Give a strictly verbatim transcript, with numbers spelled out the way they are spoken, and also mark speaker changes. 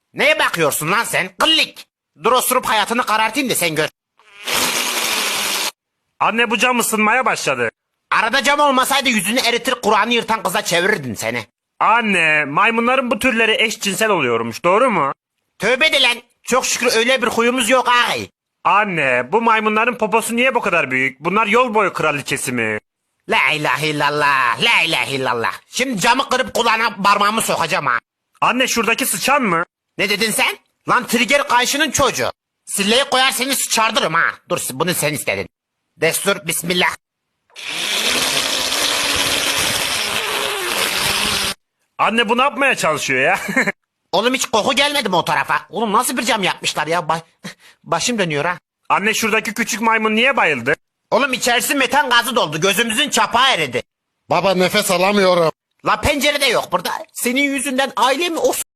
Speaker 1: Neye bakıyorsun lan sen? Kıllik. Dur osurup hayatını karartayım da sen gör.
Speaker 2: Anne bu cam ısınmaya başladı.
Speaker 1: Arada cam olmasaydı yüzünü eritir Kur'an'ı yırtan kıza çevirirdin seni.
Speaker 2: Anne maymunların bu türleri eşcinsel oluyormuş doğru mu?
Speaker 1: Tövbe de lan. Çok şükür öyle bir huyumuz yok ağay.
Speaker 2: Anne bu maymunların poposu niye bu kadar büyük? Bunlar yol boyu kraliçesi mi?
Speaker 1: La ilahe illallah. La ilahe illallah. Şimdi camı kırıp kulağına parmağımı sokacağım ha.
Speaker 2: Anne şuradaki sıçan mı?
Speaker 1: Ne dedin sen? Lan trigger kayışının çocuğu. Silleyi koyar seni sıçardırım ha. Dur bunu sen istedin. Destur bismillah.
Speaker 2: Anne bu ne yapmaya çalışıyor ya?
Speaker 1: Oğlum hiç koku gelmedi mi o tarafa? Oğlum nasıl bir cam yapmışlar ya? Ba başım dönüyor ha.
Speaker 2: Anne şuradaki küçük maymun niye bayıldı?
Speaker 1: Oğlum içerisi metan gazı doldu. Gözümüzün çapağı eridi.
Speaker 3: Baba nefes alamıyorum.
Speaker 1: La pencere de yok burada. Senin yüzünden ailemi of